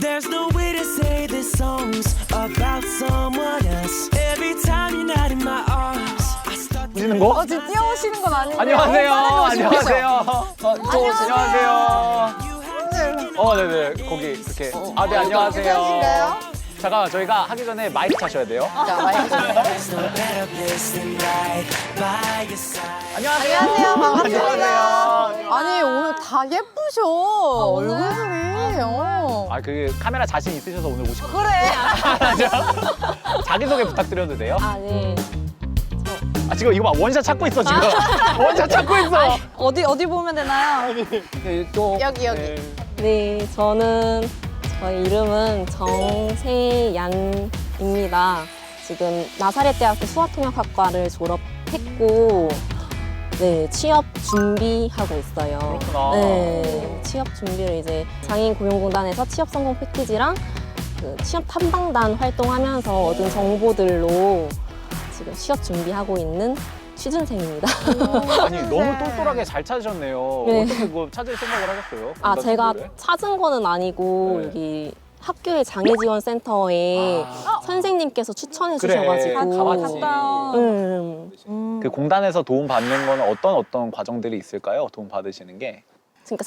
There's no way to say this song's about someone else. Every time you're not in my arms, I start 보시는 거? 지금 뛰어오시는 건 아닌데. 안녕하세요. 안녕하세요. 안녕하세요. 안녕하세요. 네네. 거기 이렇게. 아, 네, 안녕하세요. 괜찮으신가요? 잠깐만, 저희가 하기 전에 마이크 차셔야 돼요. 자, 마이크 주세요. There's no better place than right by your side. 안녕하세요. 안녕하세요. 반갑습니다. 안녕하세요. 아니, 오늘 다 예쁘셔. 얼굴들이. 아, 그 카메라 자신 있으셔서 오늘 오신 거예요. 그래. 자기소개 부탁드려도 돼요? 아, 네. 아, 지금 이거 봐. 원샷 찾고 있어, 지금. 원샷 찾고 있어. 어디 보면 되나요? 네, 이쪽. 여기. 네. 네, 저희 이름은 정세얀입니다. 지금 나사렛대학교 수화통역학과를 졸업했고, 네, 취업 준비하고 있어요. 그렇구나. 네, 취업 준비를 이제 장애인고용공단에서 취업 성공 패키지랑 그 취업 탐방단 활동하면서 얻은 정보들로 지금 취업 준비하고 있는 취준생입니다. 아니, 너무 똘똘하게 잘 찾으셨네요. 네. 어떻게 그거 찾을 생각을 하셨어요? 아, 제가 공단 찾은 거는 아니고 네. 여기 학교의 장애지원센터에 선생님께서 추천해 그래, 주셔가지고 가봤지. 그 공단에서 도움 받는 거는 어떤 과정들이 있을까요? 도움 받으시는 게? 그러니까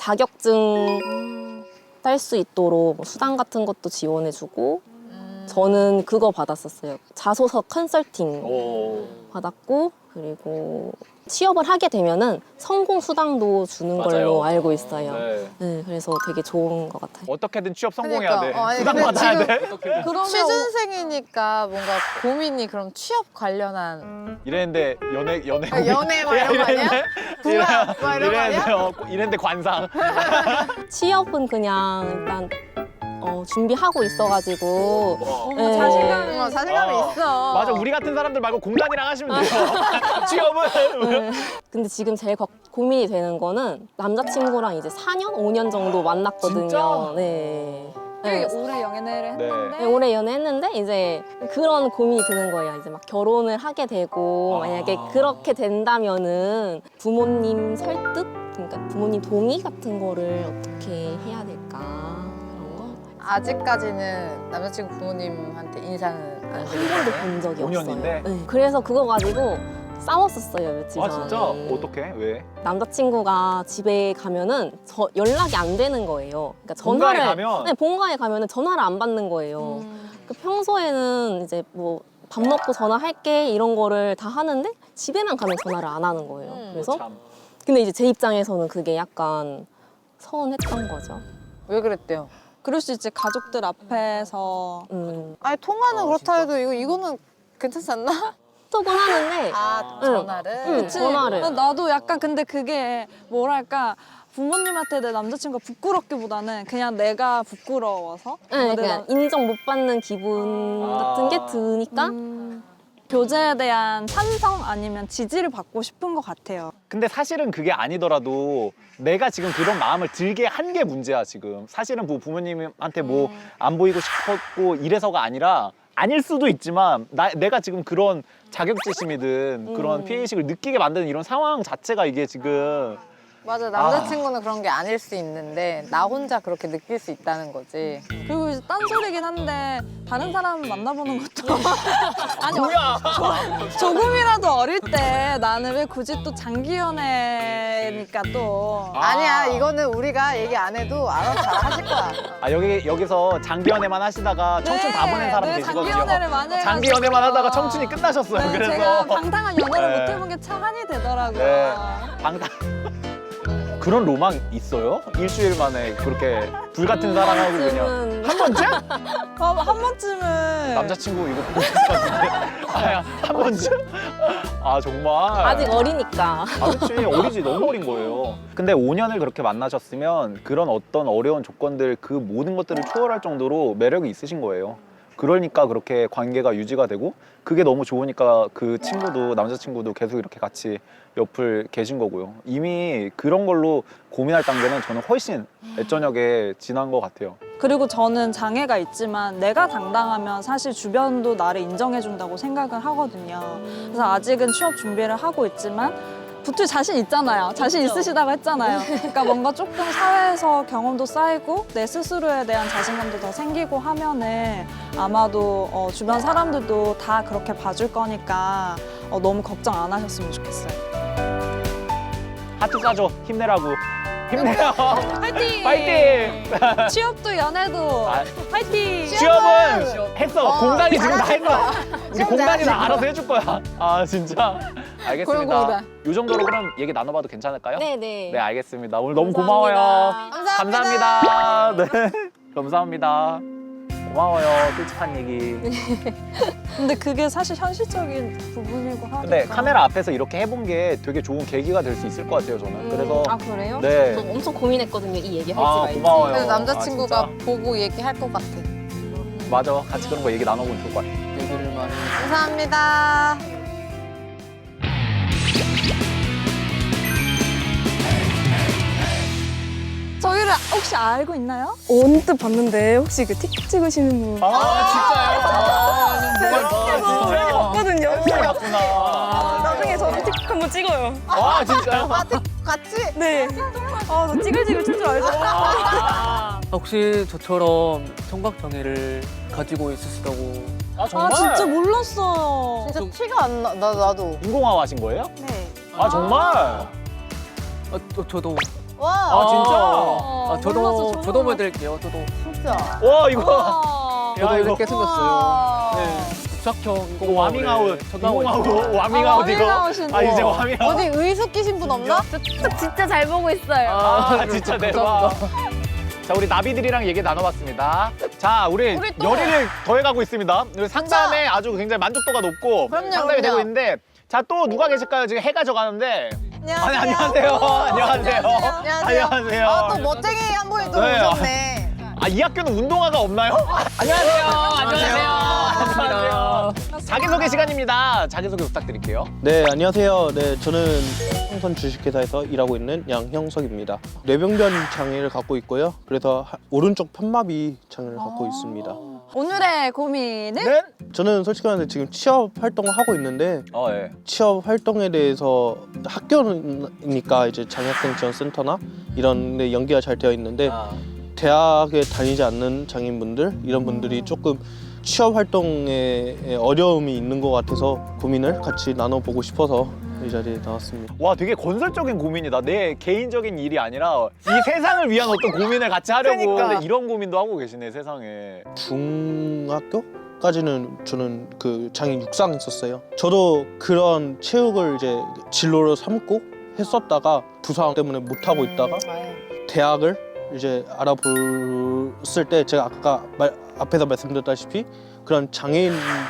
자격증 딸 수 있도록 뭐 수당 같은 것도 지원해주고 저는 그거 받았었어요. 자소서 컨설팅 오. 받았고 그리고 취업을 하게 되면은 성공 수당도 주는 맞아요. 걸로 알고 있어요. 네. 네, 그래서 되게 좋은 것 같아요. 어떻게든 취업 성공해야 그러니까. 돼. 아니, 수당 근데 받아야 지금 돼. 그러면 취준생이니까 뭔가 고민이 그럼 취업 관련한 이랬는데 연애 연애 막 이런 거 아니야? 궁합 막 이런 거 아니야? 이랬는데 관상. 취업은 그냥 일단 준비하고 있어가지고 네. 자신감이 있어. 맞아, 우리 같은 사람들 말고 공단이랑 하시면 돼요. 취업은. 근데 지금 제일 고민이 되는 거는 남자친구랑 이제 4년, 5년 정도 만났거든요. 진짜? 네. 되게 네. 오래 연애를 네. 했는데 네, 오래 연애했는데 이제 그런 고민이 드는 거예요. 이제 막 결혼을 하게 되고 만약에 그렇게 된다면은 부모님 설득, 그러니까 부모님 동의 같은 거를 어떻게 해야 될까 그런 거 아직까지는 남자친구 부모님한테 인사는 안 한 드린 번도 거예요? 본 적이 5년인데? 없어요. 네. 그래서 그거 가지고 싸웠었어요 며칠 아, 전에. 진짜? 어떻게? 왜? 남자친구가 집에 가면은 연락이 안 되는 거예요. 그러니까 본가에 전화를 가면? 네, 본가에 가면은 전화를 안 받는 거예요. 그 평소에는 이제 뭐 밥 먹고 전화할게 이런 거를 다 하는데 집에만 가면 전화를 안 하는 거예요. 그래서 참. 근데 이제 제 입장에서는 그게 약간 서운했던 거죠. 왜 그랬대요? 그럴 수 있지 가족들 앞에서 아니 통화는 그렇다 해도 이거는 괜찮지 않나? 톡은 하는데 아 응. 전화를? 응, 전화를. 나도 약간 근데 그게 뭐랄까 부모님한테 내 남자친구가 부끄럽기보다는 그냥 내가 부끄러워서 네, 내 그냥 인정 못 받는 기분 같은 게 드니까 교제에 대한 찬성 아니면 지지를 받고 싶은 것 같아요. 근데 사실은 그게 아니더라도 내가 지금 그런 마음을 들게 한 게 문제야, 지금. 사실은 뭐 부모님한테 뭐 안 보이고 싶었고 이래서가 아니라 아닐 수도 있지만 내가 지금 그런 자격지심이든 그런 피해의식을 느끼게 만드는 이런 상황 자체가 이게 지금 맞아 남자친구는 그런 게 아닐 수 있는데 나 혼자 그렇게 느낄 수 있다는 거지. 그리고 이제 딴소리긴 한데 다른 사람 만나보는 것도 아니 뭐야? 조금이라도 어릴 때 나는 왜 굳이 또 장기 연애니까 또 아니야 이거는 우리가 얘기 안 해도 알아서 잘 하실 거야. 아, 여기서 장기 연애만 하시다가 청춘 다 보낸 사람 네, 계시거든요. 장기 연애를 많이 해가지고 장기 연애만 하다가 청춘이 끝나셨어요. 네, 그래서 제가 방탕한 연애를 네. 못 해본 게 참 한이 되더라고요. 네. 방탄 그런 로망 있어요? 일주일 만에 그렇게 불같은 사랑하고 그냥 지금은 한 번쯤? 한 번쯤은 남자친구 이거 보고 있을 것 같은데 한 번쯤? 아 정말 아직 어리니까. 아 그치 어리지 너무 어린 거예요. 근데 5년을 그렇게 만나셨으면 그런 어떤 어려운 조건들 그 모든 것들을 초월할 정도로 매력이 있으신 거예요. 그러니까 그렇게 관계가 유지가 되고 그게 너무 좋으니까 그 친구도 남자친구도 계속 이렇게 같이 옆을 계신 거고요. 이미 그런 걸로 고민할 단계는 저는 훨씬 애저녁에 지난 것 같아요. 그리고 저는 장애가 있지만 내가 당당하면 사실 주변도 나를 인정해준다고 생각을 하거든요. 그래서 아직은 취업 준비를 하고 있지만 붙을 자신 있잖아요. 자신 있으시다고 했잖아요. 그러니까 뭔가 조금 사회에서 경험도 쌓이고 내 스스로에 대한 자신감도 더 생기고 하면은 아마도 주변 사람들도 다 그렇게 봐줄 거니까 너무 걱정 안 하셨으면 좋겠어요. 하트 쏴줘. 힘내라고. 힘내요. 파이팅! 파이팅! 취업도 연애도 아, 파이팅! 취업은 했어. 공단이 지금 다 했어. 우리 공단이 다 알아서 해줄 거야. 아 진짜. 알겠습니다. 고용공단. 이 정도로 그럼 얘기 나눠봐도 괜찮을까요? 네네. 네, 알겠습니다. 오늘 너무 감사합니다. 고마워요. 감사합니다. 네, 감사합니다. 고마워요. 솔직한 얘기. 근데 그게 사실 현실적인 부분이고 하니까. 근데 카메라 앞에서 이렇게 해본 게 되게 좋은 계기가 될 수 있을 것 같아요, 저는. 그래서 아 그래요? 네. 저 엄청 고민했거든요. 이 얘기 할지 아, 말지. 고마워요. 그래서 남자친구가 아, 보고 얘기할 것 같아. 맞아. 같이 그런 거 얘기 나눠보면 좋을 것 같아. 얘기를 많이 감사합니다. 저희를 혹시 알고 있나요? 언뜻 봤는데 혹시 그 틱 찍으시는 분 진짜요? 봤거든요. 맞구나. 나중에 저랑 틱 한번 찍어요. 아, 진짜요? 같이? 네. 아, 저 찌글찌글 칠 줄 알죠? 혹시 저처럼 청각장애를 가지고 있으시다고 아, 정말? 아 진짜 몰랐어요. 진짜 티가 안 나. 나도. 인공화호 하신 거예요? 네. 아, 정말? 저도 와. 아, 진짜? 몰랐어, 저도 저도 보여드릴게요. 저도 진짜. 와, 이거. 와. 저도 야, 이거. 이렇게 생겼어요. 와. 네, 국사형 이거 와밍아웃. 인공화호, 와밍아웃 이거. 와밍아웃인데. 아, 이제 와밍아웃. 어디 의숙 끼신 분 없나? 진짜 잘 보고 있어요. 아, 진짜 대박. 자, 우리 나비들이랑 얘기 나눠봤습니다. 자, 우리 우리 또- 열의를 더해가고 있습니다. 우리 상담에 아주 굉장히 만족도가 높고 그럼요, 상담이 되고 그럼요. 있는데 자, 또 누가 계실까요? 지금 해가 져가는데. 안녕하세요. 아니, 안녕하세요. 안녕하세요. 안녕하세요. 아, 또 멋쟁이 한 분이 또 네. 오셨네. 아, 이 학교는 운동화가 없나요? 안녕하세요. 안녕하세요. 자기소개 시간입니다. 자기소개 부탁드릴게요. 네, 안녕하세요. 네, 저는 홍선 주식회사에서 일하고 있는 양형석입니다. 뇌병변 장애를 갖고 있고요. 그래서 오른쪽 편마비 장애를 갖고 있습니다. 오늘의 고민은? 네? 저는 솔직히 말해서 지금 취업 활동을 하고 있는데 예. 취업 활동에 대해서 학교니까 이제 장애학생 지원센터나 이런 데 연계가 잘 되어 있는데 대학에 다니지 않는 장애인분들 이런 분들이 조금 취업 활동에 어려움이 있는 것 같아서 고민을 같이 나눠보고 싶어서 이 자리에 나왔습니다. 와, 되게 건설적인 고민이다. 내 개인적인 일이 아니라 이 세상을 위한 어떤 고민을 같이 하려고 그러니까. 근데 이런 고민도 하고 계시네, 세상에. 중학교까지는 저는 그 장애 육상 했었어요. 저도 그런 체육을 이제 진로로 삼고 했었다가 부상 때문에 못 하고 있다가 대학을 이제 알아봤을 때 제가 아까 앞에서 말씀드렸다시피 그런 장애인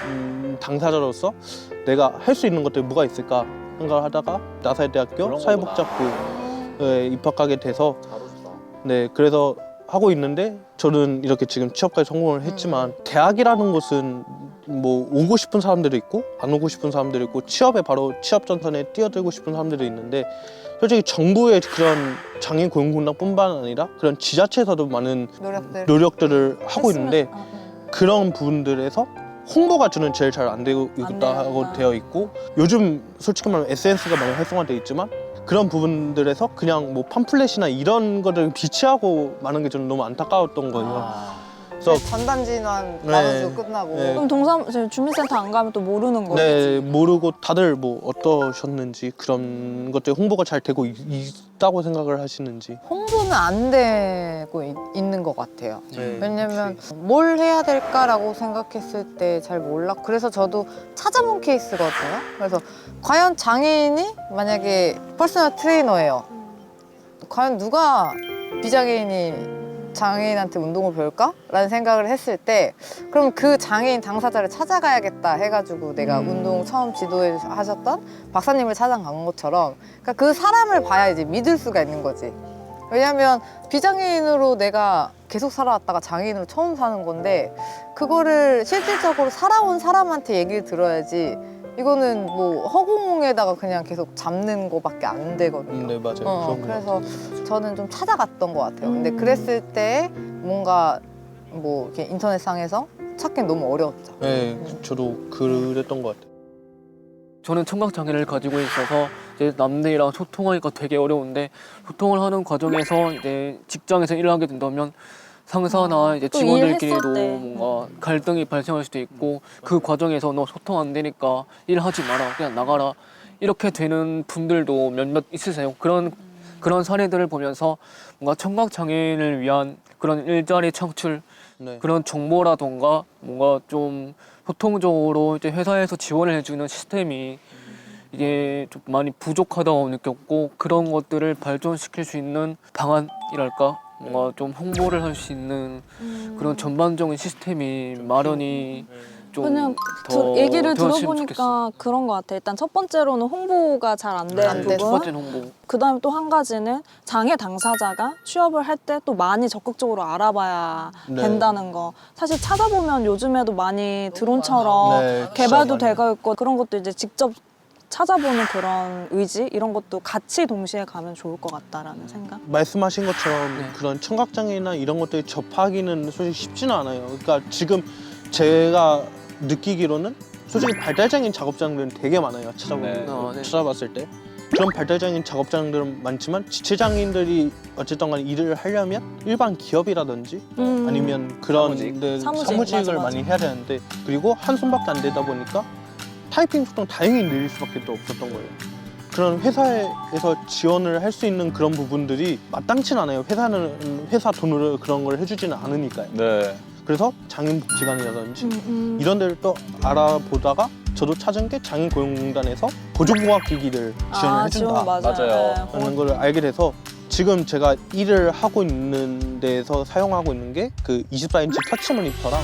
당사자로서 내가 할 수 있는 것들이 뭐가 있을까 생각을 하다가 나사대학교 사회복지학부에 입학하게 돼서 네, 그래서 하고 있는데 저는 이렇게 지금 취업까지 성공을 했지만 대학이라는 곳은 뭐 오고 싶은 사람들이 있고 안 오고 싶은 사람들이 있고 취업에 바로 취업 전선에 뛰어들고 싶은 사람들이 있는데 솔직히 정부의 그런 장애인 고용공단뿐만 아니라 그런 지자체에서도 많은 노력들을 하고 있는데 그런 부분들에서 홍보가 저는 제일 잘 안 되고 있다고 되어 있고 요즘 솔직히 말하면 SNS가 많이 활성화되어 있지만 그런 부분들에서 그냥 뭐 팜플렛이나 이런 거를 비치하고 마는 게 저는 너무 안타까웠던 거예요. 그래서 전단지만 네. 나눠주고 끝나고. 네. 그럼 주민센터 안 가면 또 모르는 거지. 네, 모르고 다들 뭐 어떠셨는지 그런 것들 홍보가 잘 되고 있다고 생각을 하시는지. 홍보는 안 되고 있는 것 같아요. 네, 왜냐면 뭘 해야 될까라고 생각했을 때 잘 몰라. 그래서 저도 찾아본 케이스거든요. 그래서 과연 장애인이 만약에 퍼스널 트레이너예요. 과연 누가 비장애인이 장애인한테 운동을 배울까? 라는 생각을 했을 때 그럼 그 장애인 당사자를 찾아가야겠다 해가지고 내가 운동 처음 지도해 하셨던 박사님을 찾아간 것처럼 그러니까 그 사람을 봐야 이제 믿을 수가 있는 거지. 왜냐면 비장애인으로 내가 계속 살아왔다가 장애인으로 처음 사는 건데 그거를 실질적으로 살아온 사람한테 얘기를 들어야지 이거는 뭐 허공에다가 그냥 계속 잡는 거밖에 안 되거든요. 네, 맞아요. 그런 것 그래서 같아요. 저는 좀 찾아갔던 것 같아요. 근데 그랬을 때 뭔가 뭐 이렇게 인터넷상에서 찾기는 너무 어려웠죠. 네, 저도 그랬던 것 같아요. 저는 청각장애를 가지고 있어서 이제 남들이랑 소통하니까 되게 어려운데 소통을 하는 과정에서 이제 직장에서 일을 하게 된다면 상사나 이제 또 직원들끼리도 일했을 때. 뭔가 갈등이 발생할 수도 있고 그 과정에서 너 소통 안 되니까 일하지 마라 그냥 나가라 이렇게 되는 분들도 몇몇 있으세요. 그런 사례들을 보면서 뭔가 청각 장애인을 위한 그런 일자리 창출 네. 그런 정보라던가 뭔가 좀 소통적으로 이제 회사에서 지원을 해주는 시스템이 이게 좀 많이 부족하다고 느꼈고 그런 것들을 발전시킬 수 있는 방안이랄까 뭔가 좀 홍보를 할 수 있는 그런 전반적인 시스템이 마련이 좀 그냥 더 얘기를 되었으면 들어보니까 좋겠어. 그런 것 같아. 일단 첫 번째로는 홍보가 잘 안 되는 안 부분. 돼서? 두 번째는 홍보. 그다음에 또 한 가지는 장애 당사자가 취업을 할 때 또 많이 적극적으로 알아봐야 네. 된다는 거. 사실 찾아보면 요즘에도 많이 드론처럼 네, 개발도 진짜 되고 있고 그런 것도 이제 직접 찾아보는 그런 의지 이런 것도 같이 동시에 가면 좋을 것 같다라는 생각. 말씀하신 것처럼 네. 그런 청각장애나 이런 것들이 접하기는 솔직히 쉽지는 않아요. 그러니까 지금 제가 느끼기로는 솔직히 발달장애인 작업장들은 되게 많아요. 네. 네. 찾아봤을 때 그런 발달장애인 작업장들은 많지만 지체장애인들이 어쨌든 간에 일을 하려면 일반 기업이라든지 아니면 그런 사무직. 데 사무직, 사무직을 맞아, 맞아. 많이 해야 되는데 그리고 한 손밖에 안 되다 보니까 타이핑 속도는 다행히 느릴 수밖에 또 없었던 거예요. 그런 회사에서 지원을 할 수 있는 그런 부분들이 마땅치는 않아요. 회사는 회사 돈으로 그런 걸 해주지는 않으니까요. 네. 그래서 장애인복지관이라든지 이런 데를 또 알아보다가 저도 찾은 게 장애인고용공단에서 보조공학기기를 지원을 해준다 지원 맞아요. 맞아요. 네. 라는 걸 알게 돼서 지금 제가 일을 하고 있는 데에서 사용하고 있는 게 그 24인치 터치 모니터랑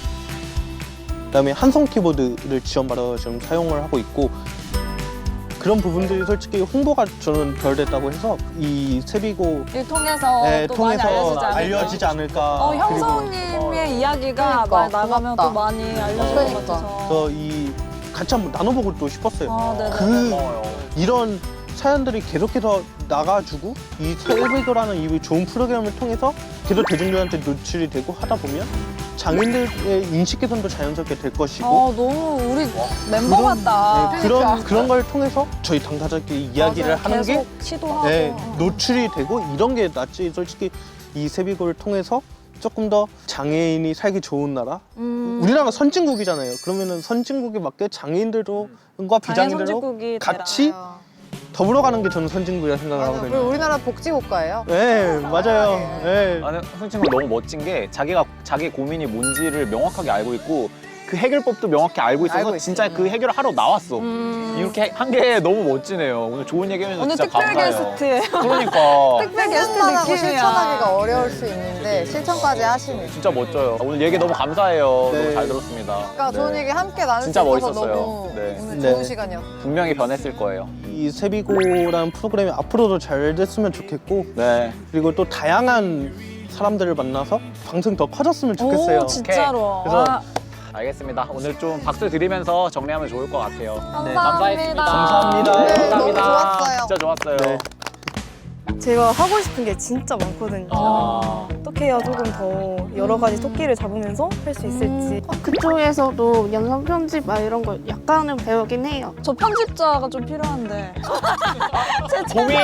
그다음에 한성 키보드를 지원받아서 지금 사용을 하고 있고 그런 부분들이 솔직히 홍보가 저는 덜 됐다고 해서 이 세비고 일 통해서 네, 또 많이 통해서 알려지지 않을까. 알려지지 않을까. 그리고 형성님의 이야기가 그러니까, 많이 나가면 고맙다. 또 많이 알려질 그러니까. 것 같아서. 그래서 이 같이 한번 나눠보고 또 싶었어요. 아, 네네. 그 이런 사연들이 계속해서 나가지고 이 세비고라는 이 좋은 프로그램을 통해서 계속 대중들한테 노출이 되고 하다 보면 장애인들의 인식 개선도 자연스럽게 될 것이고 너무 우리 멤버 같다. 네, 그런 걸 통해서 저희 당사자끼리 이야기를 맞아요. 하는 게 계속 시도하고. 네, 노출이 되고 이런 게 낫지. 솔직히 이 세비고를 통해서 조금 더 장애인이 살기 좋은 나라. 우리나라가 선진국이잖아요. 그러면은 선진국에 맞게 장애인들과 장애 비장애인들도 선진국이 같이 더불어가는 게 저는 선진국이라 생각을 맞아. 그리고 하거든요. 우리나라 복지국가예요. 네, 맞아요. 네. 아니, 선생님 너무 멋진 게 자기 고민이 뭔지를 명확하게 알고 있고 그 해결법도 명확히 알고 있어서 알고 있지. 진짜 그 해결을 하러 나왔어. 이렇게 한 게 너무 멋지네요. 오늘 좋은 얘기 해주셔서 오늘 진짜 특별 감사해요. 게스트예요. 그러니까 특별 게스트 생각만 하고 느낌이야. 실천하기가 어려울 수 있는데 실천까지 하시네. 진짜 멋져요. 오늘 얘기 너무 감사해요. 네. 너무 잘 들었습니다. 그러니까 네. 좋은 얘기 함께 나눌 수 진짜 있어서 멋있었어요. 너무 네. 오늘 네. 좋은 시간이었어. 분명히 변했을 거예요. 이 세비고라는 프로그램이 앞으로도 잘 됐으면 좋겠고 네. 그리고 또 다양한 사람들을 만나서 방송이 더 커졌으면 좋겠어요. 오, 진짜로. 그래서 아, 알겠습니다. 오늘 좀 박수 드리면서 정리하면 좋을 것 같아요. 네, 감사합니다. 감사합니다. 네, 감사합니다. 너무 좋았어요. 진짜 좋았어요. 네. 제가 하고 싶은 게 진짜 많거든요. 아. 어떻게 해야 조금 더 여러 가지 토끼를 잡으면서 할 수 있을지. 그쪽에서도 영상 편집 막 이런 거 약간은 배우긴 해요. 저 편집자가 좀 필요한데. 고민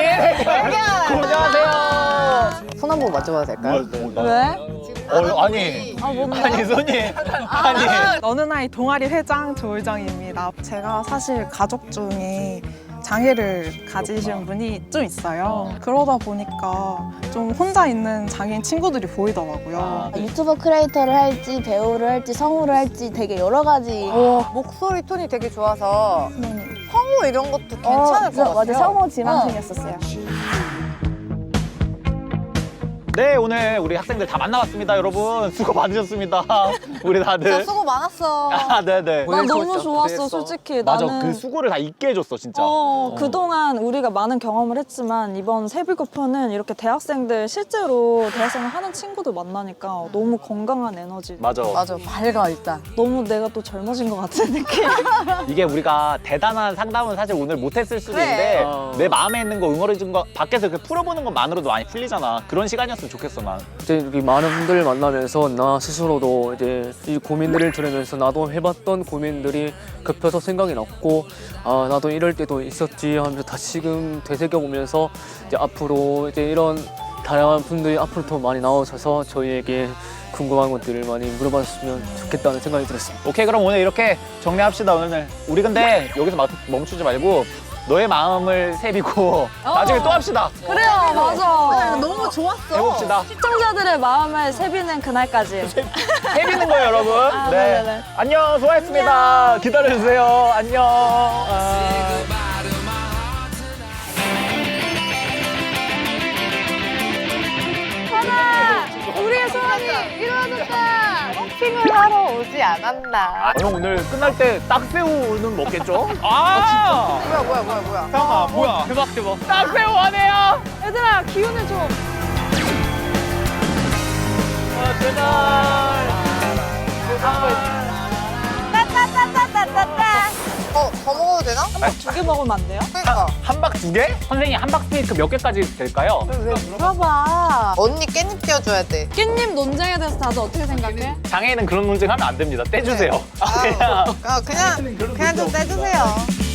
고민하세요. 손 한 번 맞춰봐도 될까요? 왜? 아니 뭔데? 아니 손이 아니 어느 나이 동아리 회장 조을정입니다. 제가 사실 가족 중에 장애를 가지신 분이 좀 있어요. 그러다 보니까 좀 혼자 있는 장애인 친구들이 보이더라고요. 유튜버 크리에이터를 할지 배우를 할지 성우를 할지 되게 여러 가지. 목소리 톤이 되게 좋아서 네. 성우 이런 것도 괜찮을 것 같아요. 맞아 성우 지망생이었었어요. 네 오늘 우리 학생들 다 만나봤습니다 여러분 수고 많으셨습니다 우리 다들 진짜 수고 많았어. 아 네네 난 너무 고생했어, 좋았어, 고생했어. 솔직히. 맞아 나는 그 수고를 다 잊게 해줬어 진짜 그동안 우리가 많은 경험을 했지만 이번 세비고편은 이렇게 대학생들 실제로 대학생을 하는 친구들 만나니까 너무 건강한 에너지. 맞아 맞아, 밝아 일단. 너무 내가 또 젊어진 것 같은 느낌. 이게 우리가 대단한 상담은 사실 오늘 못했을 수도 그래. 있는데 내 마음에 있는 거 응어리진 거 밖에서 이렇게 풀어보는 것만으로도 많이 풀리잖아 그런 시간이었으면 됐으면 좋겠어 난. 이제 이렇게 많은 분들을 만나면서 나 스스로도 이제 이 고민들을 들으면서 나도 해봤던 고민들이 급해서 생각이 났고 아 나도 이럴 때도 있었지 하면서 다시금 되새겨보면서 이제 앞으로 이제 이런 다양한 분들이 앞으로 더 많이 나오셔서 저희에게 궁금한 것들을 많이 물어봤으면 좋겠다는 생각이 들었습니다. 오케이 그럼 오늘 이렇게 정리합시다 오늘. 우리 근데 여기서 멈추지 말고 너의 마음을 새비고 나중에 또 합시다. 그래요, 맞아. 너무 좋았어. 해봅시다. 시청자들의 마음을 세비는 그날까지. 새비는 거예요 여러분. 아, 네네네. 안녕 수고하셨습니다. 기다려주세요. 안녕. 우리의 소원이 이루어졌다. 쇼핑을 하러 오지 않았나. 형 오늘 끝날 때 딱새우는 먹겠죠? 아, 뭐야. 형아 뭐야? 대박 대박. 딱새우 하네요. 얘들아, 기운을 줘. 더 먹어도 되나? 두 개 먹으면 안 돼요? 그러니까. 한박 2개? 선생님 한박 스테이크 몇 개까지 될까요? 왜 물어봐. 언니 깻잎 띄워줘야 돼. 깻잎 논쟁에 대해서 다들 어떻게 생각해? 장애인은 그런 논쟁하면 안 됩니다. 떼주세요. 그냥 좀 떼주세요.